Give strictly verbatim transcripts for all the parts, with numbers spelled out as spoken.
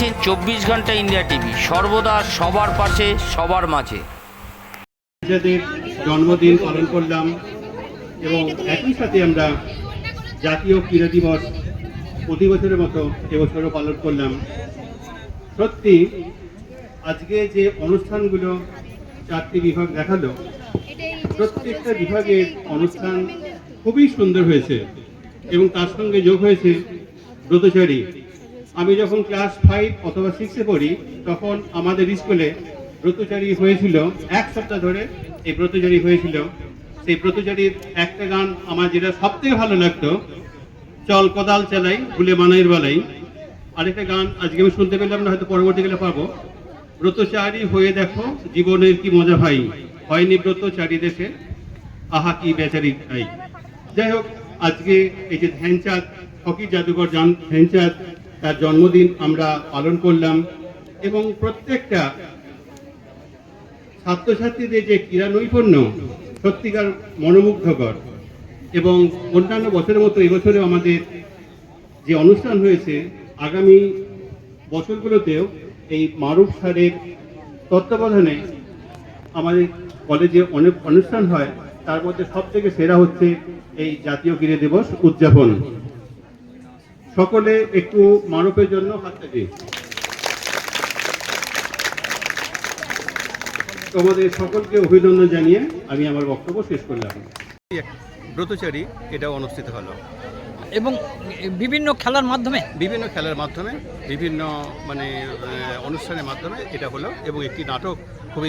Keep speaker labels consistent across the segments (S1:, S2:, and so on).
S1: দেখছেন চব্বিশ ঘন্টা ইন্ডিয়া টিভি, সর্বদা সবার পাশে সবার মাঝে।
S2: নিজেদের জন্মদিন পালন করলাম এবং একই সাথে আমরা জাতীয় ক্রীড়া দিবস প্রতি বছরের মতো এবছরও পালন করলাম। সত্যি আজকে যে অনুষ্ঠানগুলো চারটি বিভাগ দেখালো, প্রত্যেকটা বিভাগের অনুষ্ঠান খুবই সুন্দর হয়েছে এবং তার সঙ্গে যোগ হয়েছে ব্রতচারী। আমি যখন ক্লাস ফাইভ অথবা সিক্সে পড়ি তখন আমাদের স্কুলে ব্রতচারী হয়েছিল, এক সপ্তাহ ধরে এই ব্রতচারী হয়েছিল। সেই ব্রতচারীর একটা গান আমার যেটা সব থেকে ভালো লাগতো, চল কোদাল চালাই ভুলে মানাইয়ের বেলাই। আরেকটা গান আজকে আমি শুনতে পেলাম না, হয়তো পরবর্তীকালে পাবো, ব্রতচারী হয়ে দেখো জীবনের কি মজা ভাই, হয়নি ব্রতচারী দেশে আহা কি বেচারি ভাই। যাই হোক, আজকে এই যে ধ্যানচাঁদ হকি জাদুঘর জান ধ্যানচাঁদ তার জন্মদিন আমরা পালন করলাম এবং প্রত্যেকটা ছাত্রছাত্রীদের যে ক্রীড়া নৈপুণ্য সত্যিকার মনোমুগ্ধকর। এবং অন্যান্য বছরের মতো এবছরেও আমাদের যে অনুষ্ঠান হয়েছে, আগামী বছরগুলোতেও এই মারুফ স্যারের তত্ত্বাবধানে আমাদের কলেজে অনেক অনুষ্ঠান হয়। তার মধ্যে সব থেকে সেরা হচ্ছে এই জাতীয় ক্রীড়া দিবস উদযাপন। সকলে একটু মারুফের জন্য হাততালি। তোমাদের সকলকে অভিনন্দন জানিয়ে আমি আমার বক্তব্য শেষ করলাম।
S3: ব্রতচারী এটা অনুষ্ঠিত হলো
S4: এবং বিভিন্ন খেলার মাধ্যমে
S3: বিভিন্ন খেলার মাধ্যমে বিভিন্ন মানে অনুষ্ঠানের মাধ্যমে এটা হলো এবং একটি নাটক খুবই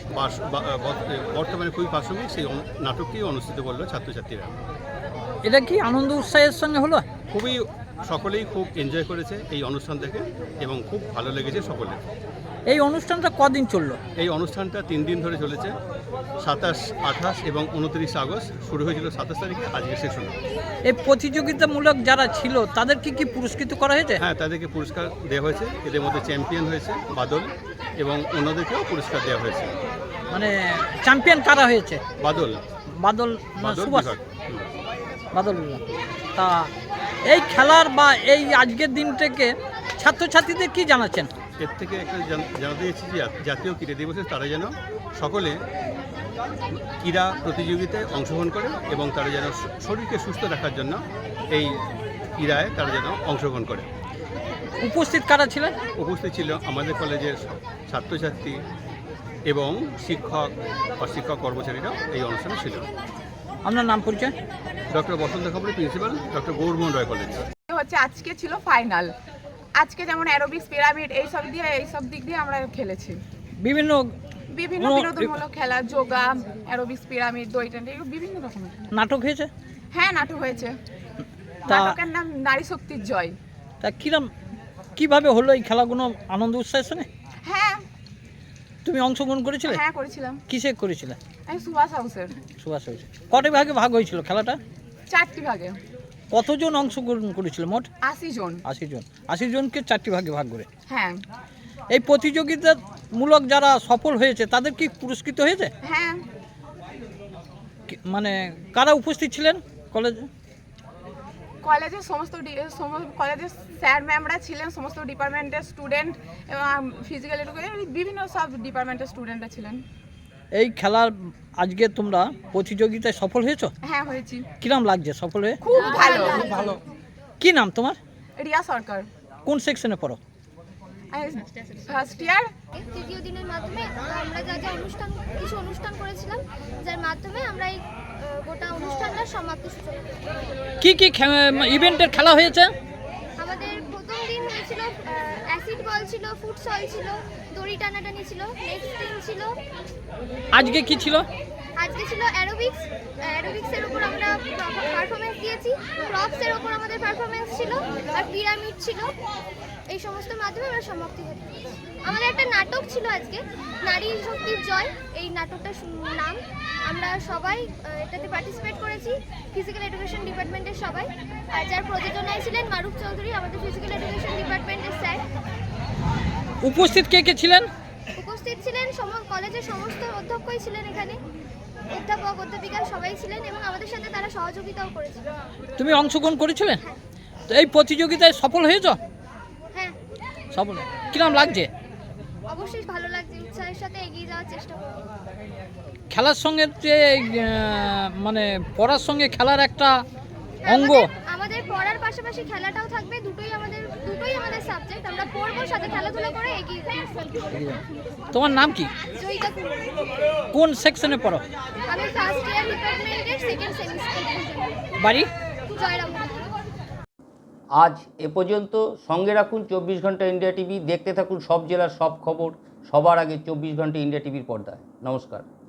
S3: বর্তমানে খুবই প্রাসঙ্গিক, সেই নাটকটিও অনুষ্ঠিত করলো ছাত্রছাত্রীরা।
S4: এটা কি আনন্দ উৎসাহের সঙ্গে হলো?
S3: খুবই সকলেই খুব এনজয় করেছে এই অনুষ্ঠান থেকে এবং খুব ভালো লেগেছে সকলে।
S4: এই অনুষ্ঠানটা কদিন চললো?
S3: এই অনুষ্ঠানটা তিন দিন ধরে চলেছে, সাতাশ আঠাশ এবং উনত্রিশ আগস্ট শুরু হয়েছিল সাতাশ তারিখে, আজকে শেষ হলো।
S4: এই প্রতিযোগিতামূলক যারা ছিল তাদেরকে কি পুরস্কৃত করা হয়েছে?
S3: হ্যাঁ, তাদেরকে পুরস্কার দেওয়া হয়েছে। এদের মধ্যে চ্যাম্পিয়ন হয়েছে বাদল এবং অন্যদেরকেও পুরস্কার দেওয়া হয়েছে।
S4: মানে চ্যাম্পিয়ন কারা হয়েছে?
S3: বাদল
S4: বাদল
S3: বাদল
S4: সুভাষ
S3: বিভাগ।
S4: বাদল বিভাগ। তা এই খেলার বা এই আজকের দিন থেকে ছাত্রছাত্রীদের কি জানাচ্ছেন?
S3: এর থেকে একটা জানাতে চাইছি যে জাতীয় ক্রীড়া দিবসে তারা যেন সকলে ক্রীড়া প্রতিযোগিতায় অংশগ্রহণ করে এবং তারা যেন শরীরকে সুস্থ রাখার জন্য এই ক্রীড়ায় তারা যেন অংশগ্রহণ করে।
S4: উপস্থিত কারা ছিলেন?
S3: উপস্থিত ছিল আমাদের কলেজের ছাত্রছাত্রী এবং শিক্ষক বা শিক্ষক কর্মচারীরা এই অনুষ্ঠানে ছিল।
S4: আপনার নাম পরিচয়?
S3: Doctor Basanta Khabri, principal, doctor Gourmohan Roy college.
S5: হচ্ছে আজকে ছিল ফাইনাল। আজকে যেমন অ্যারোবিক্স, পিরামিড এই সব দিয়ে এই সব দিক দিয়ে আমরা খেলেছি।
S4: বিভিন্ন
S5: বিভিন্ন বিনোদনমূলক খেলা, যোগা, অ্যারোবিক্স, পিরামিড, দই টানা, বিভিন্ন রকমের
S4: নাটক হয়েছে।
S5: হ্যাঁ, নাটক হয়েছে।
S4: তা
S5: নাটকের নাম নারী শক্তির জয়।
S4: তা কিরম কিভাবে হলো এই খেলাগুলো আনন্দ উৎসাহের সঙ্গে?
S5: হ্যাঁ।
S4: তুমি অংশগ্রহণ করেছিলে?
S5: হ্যাঁ, করেছিলাম।
S4: কিসে করেছিলে?
S5: আমি সুভাষ হাউসের।
S4: সুভাষ হয়েছে। কটি ভাগে ভাগ হয়েছিল খেলাটা?
S5: চারটি ভাগে।
S4: কতজন অংশগ্রহণ করেছিল মোট?
S5: আশি জন।
S4: আশি জন। আশি জনকে চারটি ভাগে ভাগ করে।
S5: হ্যাঁ।
S4: এই প্রতিযোগিতামূলক যারা সফল হয়েছে তাদের কি পুরস্কৃত হয়েছে?
S5: হ্যাঁ।
S4: মানে কারা উপস্থিত ছিলেন কলেজে?
S5: কলেজের সমস্ত কলেজের স্যার ম্যামরা ছিলেন, সমস্ত ডিপার্টমেন্টের স্টুডেন্ট এবং ফিজিক্যাল এডুকেশন বিভিন্ন সব ডিপার্টমেন্টের স্টুডেন্টরা ছিলেন।
S4: এই খেলার আজকে তোমরা প্রতিযোগিতায় সফল হয়েছো?
S5: হ্যাঁ, হয়েছি।
S4: কিরম লাগছে সফল হয়ে?
S5: খুব ভালো।
S4: ভালো। কি নাম তোমার?
S5: রিয়া সরকার।
S4: কোন সেকশনে পড়ো?
S5: First year.
S6: তৃতীয় দিনের মাধ্যমে আমরা যা যা অনুষ্ঠান কিছু অনুষ্ঠান করেছিলাম, যার মাধ্যমে আমরা এই গোটা অনুষ্ঠানটার সমাপ্তি সূচনা করি।
S4: কি কি ইভেন্টের খেলা হয়েছে?
S6: আমাদের প্রথম দিন হয়েছিল অ্যাসিড বল ছিল, ফুটসল ছিল, দড়ি টানাটানি ছিল, নেক্সট দিন ছিল।
S4: আজকে কি ছিল?
S6: আজকে ছিল অ্যারোবিক্স। অ্যারোবিক্সের উপর আমরা পারফরমেন্স দিয়েছি, প্রপসের উপর আমাদের পারফরমেন্স ছিল, আর পিরামিড ছিল। এই সমস্ত মাধ্যমে আমরা সমাপ্তি করি। আমাদের একটা নাটক ছিল আজকে, নারী শক্তির জয়। এই নাটকটার নাম। আমরা সবাই এটাতে পার্টিসিপেট করেছি, ফিজিক্যাল এডুকেশন ডিপার্টমেন্টের সবাই। আর যার প্রযোজনায় ছিলেন মারুফ চৌধুরী, আমাদের ফিজিক্যাল এডুকেশন ডিপার্টমেন্টের স্যার।
S4: উপস্থিত কে কে ছিলেন?
S6: উপস্থিত ছিলেন কলেজের সমস্ত অধ্যক্ষই ছিলেন এখানে, অধ্যাপক অধ্যাপিকা সবাই ছিলেন এবং আমাদের সাথে তারা সহযোগিতাও করেছিল।
S4: তুমি অংশগ্রহণ করেছিলে? তো এই প্রতিযোগিতায় সফল হয়েছো?
S6: হ্যাঁ,
S4: সফল। কিরম লাগছে?
S6: অবশ্যই ভালো লাগছে, উৎসাহের সাথে এগিয়ে যাওয়ার চেষ্টা করব।
S4: খেলার সঙ্গে যে আহ, মানে পড়ার সঙ্গে খেলার একটা অঙ্গ,
S6: আমাদের- আমাদের পড়ার পাশাপাশি খেলাটাও থাকবে, দুটোই আমাদের দুটোই আমাদের সাবজেক্ট। আমরা পড়বো, সাথে খেলাধুলা করে এগিয়ে যাব।
S4: তোমার নাম কি?
S6: জয়িতা কুমার।
S4: কোন সেকশনে পড়ো?
S6: আমি ফার্স্ট ইয়ার ডিপার্টমেন্টের সেকেন্ড সেমিস্টার।
S4: বাড়ি?
S6: জয়রাম।
S1: আজ এ পর্যন্ত। সঙ্গে রাখুন চব্বিশ ঘন্টা ইন্ডিয়া টিভি। দেখতে থাকুন সব জেলার সব খবর সবার আগে চব্বিশ ঘন্টা ইন্ডিয়া টিভির পর্দায়। নমস্কার।